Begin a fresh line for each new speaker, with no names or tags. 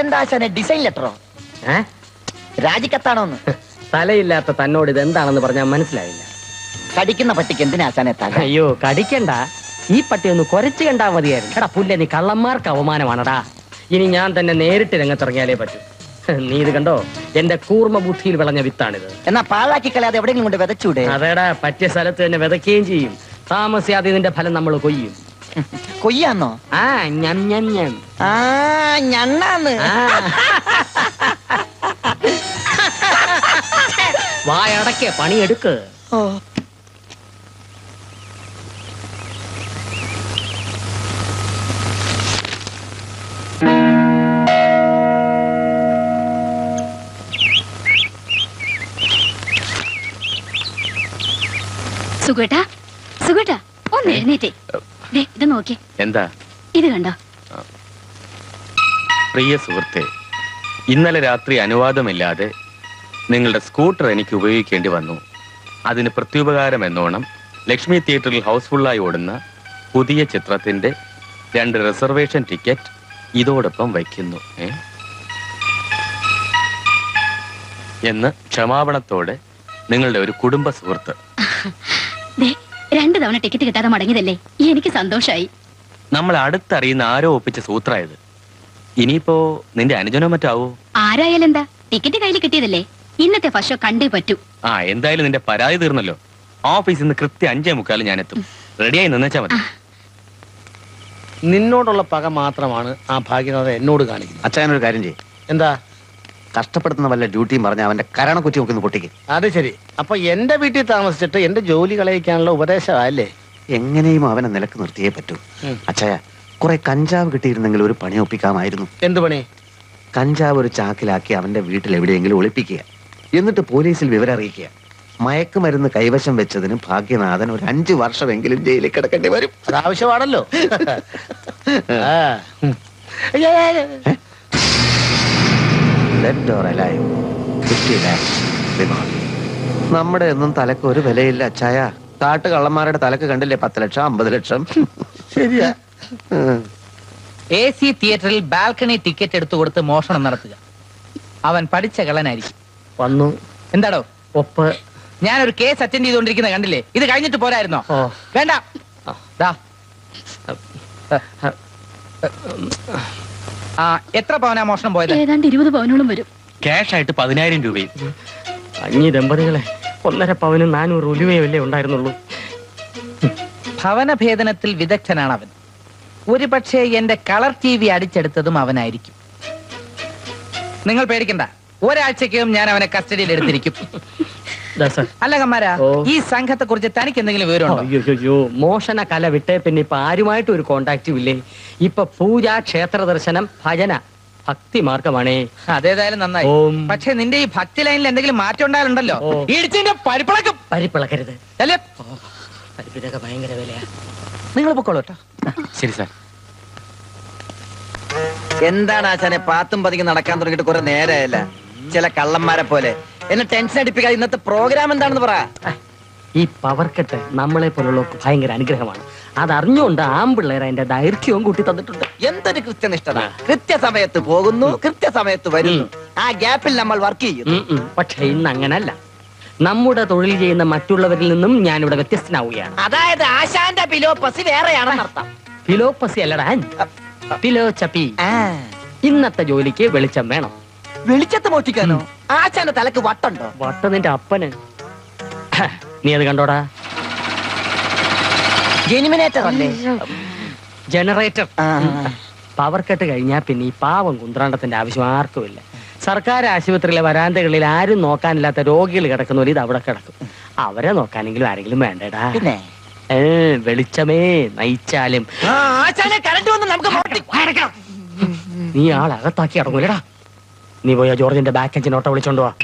ഇതെന്താ ആശാനെ ഡിസൈൻ ലെറ്ററോ? രാജിക്കത്താണോന്ന്?
തലയില്ലാത്ത തന്നോട് ഇതെന്താണെന്ന് പറഞ്ഞാൽ മനസ്സിലായില്ല.
കടിക്കുന്ന പട്ടിക്ക് എന്തിനാ ആശാനെ തല?
അയ്യോ കടിക്കണ്ട, ഈ പട്ടി ഒന്ന് കുരച്ചു കണ്ടാ മതിയായിരുന്നു. എടാ പുല്ല, നീ കള്ളന്മാർക്ക് അവമാനമാണടാ. ഇനി ഞാൻ തന്നെ നേരിട്ട് രംഗത്തിറങ്ങിയാലേ പറ്റൂ. നീ ഇത് കണ്ടോ, എന്റെ കൂർമ്മ ബുദ്ധിയിൽ വിളഞ്ഞ വിത്താണിത്.
എന്നാ പാഴാക്കി കളയാതെ എവിടെയെങ്കിലും കൊണ്ട് വിതച്ചൂടെ?
അതേടാ, പറ്റിയ സ്ഥലത്ത് തന്നെ വിതയ്ക്കുകയും ചെയ്യും. താമസിയാതെ ഇതിന്റെ ഫലം നമ്മൾ കൊയ്യും.
കൊയ്യാന്നോ?
ആ ഞം ഞം ഞം.
ആ ഞണ്ണാന്ന്.
വായടക്കെ പണിയെടുക്ക്.
സുഖേട്ടാ, സുഖേട്ടാ ഒന്ന് എഴുന്നേറ്റേ. ഇത് നോക്കി.
എന്താ
ഇത് കണ്ടോ?
പ്രിയ സുഹൃത്തെ, ഇന്നലെ രാത്രി അനുവാദമില്ലാതെ നിങ്ങളുടെ സ്കൂട്ടർ എനിക്ക് ഉപയോഗിക്കേണ്ടി വന്നു. അതിന് പ്രത്യുപകാരം എന്നോണം ലക്ഷ്മി തിയേറ്ററിൽ ഹൗസ്ഫുള്ളായി ഓടുന്ന പുതിയ ചിത്രത്തിന്റെ 2 റിസർവേഷൻ ടിക്കറ്റ് ഇതോടൊപ്പം വയ്ക്കുന്നു എന്ന് ക്ഷമാപണത്തോടെ നിങ്ങളുടെ ഒരു കുടുംബ സുഹൃത്ത്.
2 തവണ ടിക്കറ്റ് കിട്ടാതെ മടങ്ങിയതല്ലേ, എനിക്ക് സന്തോഷായി.
നമ്മൾ അടുത്തറിയുന്ന ആരോ ഒപ്പിച്ച സൂത്രായത്. ഇനിയിപ്പോ നിന്റെ അനുജനോ മറ്റാവോ?
ആരായാലും എന്താ, ടിക്കറ്റ് കയ്യിൽ കിട്ടിയതല്ലേ, ഇന്നത്തെ ഫസ്റ്റ് ഷോ കണ്ടേ പറ്റൂ.
എന്തായാലും നിന്റെ പരാതി തീർന്നല്ലോ. ഓഫീസിൽ നിന്ന് കൃത്യം 5:45 ഞാൻ എത്തും. റെഡിയായി നിന്നേച്ചാ മതി.
നിന്നോടുള്ള പക മാത്രമാണ് ആ ഭാഗ്യനാഥ എന്നോട് കാണിക്കുന്നത്.
അച്ഛനൊരു കാര്യം ചെയ്യും.
എന്താ?
കഷ്ടപ്പെടുത്തുന്ന വല്ല ഡ്യൂട്ടിയും പറഞ്ഞ അവന്റെ കരണ കുറ്റി നോക്കുന്ന പൊട്ടിക്ക്.
അത് ശരി. അപ്പൊ എന്റെ വീട്ടിൽ താമസിച്ചിട്ട് എന്റെ ജോലി കളയിക്കാനുള്ള ഉപദേശമല്ലേ?
എങ്ങനെയും അവനെ നിലക്ക് നിർത്തിയേ പറ്റൂ. അച്ഛായ, കുറെ കഞ്ചാവ് കിട്ടിയിരുന്നെങ്കിൽ ഒരു പണി ഒപ്പിക്കാമായിരുന്നു.
എന്ത് പണി?
കഞ്ചാവ് ഒരു ചാക്കിലാക്കി അവന്റെ വീട്ടിൽ എവിടെയെങ്കിലും ഒളിപ്പിക്കുക, എന്നിട്ട് പോലീസിൽ വിവരം അറിയിക്കുക. മയക്കുമരുന്ന് കൈവശം വെച്ചതിന് ഭാഗ്യനാഥൻ ഒരു 5 വർഷമെങ്കിലും ജയിലിൽ കിടക്കേണ്ടി വരും.
അതാവശ്യമാണല്ലോ.
നമ്മുടെ ഒന്നും തലക്ക് ഒരു വിലയില്ല അച്ചായ. കാട്ടു കള്ളന്മാരുടെ തലക്ക് കണ്ടില്ലേ 10 ലക്ഷം 50 ലക്ഷം.
ശരിയാ. AC തിയേറ്ററിൽ ബാൽക്കണി ടിക്കറ്റ് എടുത്തു കൊടുത്ത് മോഷണം നടത്തുക. അവൻ പഠിച്ച കള്ളനായിരിക്കും.
വന്നു.
എന്താടോ
ഒപ്പ്?
ഞാനൊരു കേസ് അറ്റൻഡ് ചെയ്തുകൊണ്ടിരിക്കുന്ന കണ്ടില്ലേ? ഇത് കഴിഞ്ഞിട്ട് പോരായിരുന്നോ? വേണ്ട. എത്ര പവനാ മോഷണം പോയത്?
ഏതാണ്ട് 20 പവനോളം വരും.
ക്യാഷ് ആയിട്ട് 10,000 രൂപയും.
അഞ്ഞി ദമ്പതികളെ 1.5 പവനും 400 ഉലുവയല്ലേ ഉണ്ടായിരുന്നുള്ളൂ.
ഭവനഭേദനത്തിൽ വിദഗ്ധനാണ് അവൻ. ഒരു പക്ഷേ എന്റെ കളർ TV അടിച്ചെടുത്തതും അവനായിരിക്കും. നിങ്ങൾ പേടിക്കണ്ട, ഒരാഴ്ചക്കകം ഞാൻ അവനെ കസ്റ്റഡിയിൽ എടുത്തിരിക്കും. അല്ല കമ്മാരാ, ഈ സംഘത്തെ കുറിച്ച് തനിക്ക് എന്തെങ്കിലും വിവരമുണ്ടോ?
അയ്യോ, മോഷണ കല വിട്ടേ പിന്നെ ഇപ്പൊ ആരുമായിട്ടും ഒരു കോണ്ടാക്റ്റും ഇല്ലേ. ഇപ്പൊ പൂജ, ക്ഷേത്ര ദർശനം, ഭജന, ഭക്തി മാർഗമാണേ.
അതേതായാലും നന്നായി. പക്ഷെ നിന്റെ ഈ ഭക്തി ലൈനിൽ എന്തെങ്കിലും മാറ്റം ഉണ്ടായാലുണ്ടല്ലോ, ഇടിച്ചിന്റെ പരിപ്പിളക്കും.
പരിപ്പിളക്കരുത്
അല്ലേ?
പരിപ്പിനൊക്കെ ഭയങ്കര വിലയാ.
നിങ്ങൾ പൊക്കോളൂ കേട്ടോ.
ശരി സാർ.
എന്താണ് ആശാനെ പാത്തും പതിക്ക് നടക്കാൻ തുടങ്ങിയിട്ട് കുറെ നേരമല്ല? ചില കള്ളന്മാരെ പോലെ എന്നെ ടെൻഷൻ അടിപ്പിക്കാതെ ഇന്നത്തെ പ്രോഗ്രാം എന്താണെന്ന് പറ.
ഈ പവർ കട്ട് നമ്മളെ പോലുള്ളവർക്ക് ഭയങ്കര അനുഗ്രഹമാണ്. അതറിഞ്ഞുകൊണ്ട് ആമ്പിള്ളേർ അതിന്റെ ദൈർഘ്യവും കൂട്ടി തന്നിട്ടുണ്ട്.
എന്തൊരു കൃത്യനിഷ്ഠത! കൃത്യസമയത്ത് പോകുന്നു, കൃത്യസമയത്ത് വരുന്നു. ആ ഗ്യാപ്പിൽ നമ്മൾ വർക്ക് ചെയ്യുന്നു.
പക്ഷെ ഇന്ന് അങ്ങനല്ല. നമ്മുടെ തൊഴിൽ ചെയ്യുന്ന മറ്റുള്ളവരിൽ നിന്നും ഞാനിവിടെ വ്യത്യസ്തനാവുകയാണ്.
അതായത് ആശാന്റെ ഫിലോപ്പസി വേറെയാണെന്നർത്ഥം.
ഫിലോപ്പസി അല്ലടാ, ഫിലോചപ്പി. ഇന്നത്തെ ജോലിക്ക് വെളിച്ചം വേണം.
വെളിച്ചത്ത് മോഷ്ടിക്കാനോ? ആശാന്റെ തലക്ക് വട്ടുണ്ടോ?
വട്ട നിന്റെ അപ്പന്. നീ അത് കണ്ടോടാ?
ജെനിമിനേറ്റർ അല്ലേ?
ജനറേറ്റർ. പവർ കട്ട് കഴിഞ്ഞാൽ പിന്നെ ഈ പാവം കുന്ത്രാണ്ടത്തിന്റെ ആവശ്യം ആർക്കുമില്ല. സർക്കാർ ആശുപത്രിയിലെ വരാന്തകളിൽ ആരും നോക്കാനില്ലാത്ത രോഗികൾ കിടക്കുന്നവർ ഇത് അവിടെ കിടക്കും. അവരെ നോക്കാനെങ്കിലും ആരെങ്കിലും വേണ്ടടാ.
പിന്നെ
വെളിച്ചമേ നയിച്ചാലും നീ ആളകത്താക്കി അടങ്ങൂലടാ. നീ പോയാ ജോർജിന്റെ ബാക്ക് എഞ്ചിൻ ഓട്ടോ വിളിച്ചോണ്ട് വാ.